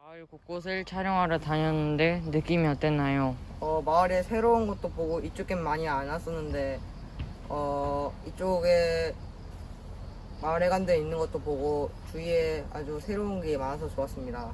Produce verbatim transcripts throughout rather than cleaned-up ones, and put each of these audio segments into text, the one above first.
마을 곳곳을 촬영하러 다녔는데 느낌이 어땠나요? 어, 마을에 새로운 것도 보고 이쪽엔 많이 안 왔었는데 어, 이쪽에 마을회관들 있는 것도 보고 주위에 아주 새로운 게 많아서 좋았습니다.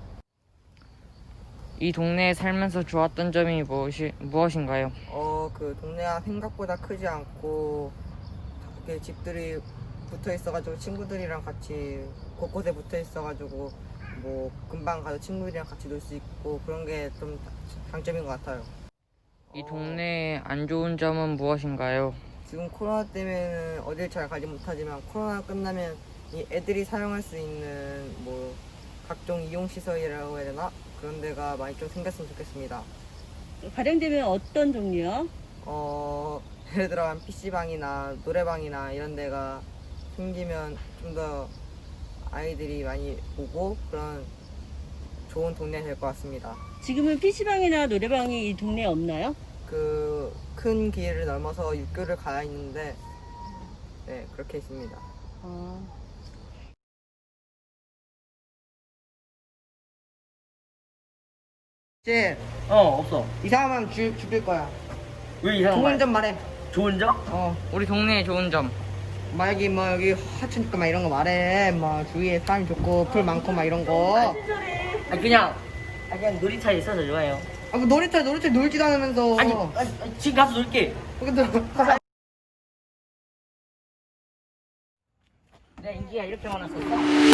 이 동네에 살면서 좋았던 점이 무엇이, 무엇인가요? 어, 그 동네가 생각보다 크지 않고 이렇게 집들이 붙어 있어가지고 친구들이랑 같이 곳곳에 붙어 있어가지고 뭐 금방 가서 친구들이랑 같이 놀 수 있고 그런 게 좀 장점인 것 같아요. 이 어, 동네의 안 좋은 점은 무엇인가요? 지금 코로나 때문에는 어딜 잘 가지 못하지만 코로나 끝나면 이 애들이 사용할 수 있는 뭐 각종 이용 시설이라고 해야 되나 그런 데가 많이 좀 생겼으면 좋겠습니다. 발행되면 어떤 종류요? 어, 예를 들어 한 피시방이나 노래방이나 이런 데가 생기면 좀 더 아이들이 많이 오고 그런 좋은 동네가 될 것 같습니다. 지금은 피시방이나 노래방이 이 동네에 없나요? 그 큰 길을 넘어서 육교를 가야 있는데 네 그렇게 있습니다. 어, 이제 어 없어. 이상하면 주, 죽일 거야. 왜 이상한 좋은 거야? 점 말해. 좋은 점? 어, 우리 동네의 좋은 점. 막 여기 뭐 여기 하천니까 막 이런 거 말해. 뭐 주위에 사람 좋고 풀 많고 막 이런 거. 아니 그냥 아 그냥 놀이터에 있어서 좋아요. 아, 뭐 놀이터 놀이터 놀지도 않으면서. 아니, 아니 아니, 지금 가서 놀게. 근데 가서 내가 인기가 이렇게 많았었어?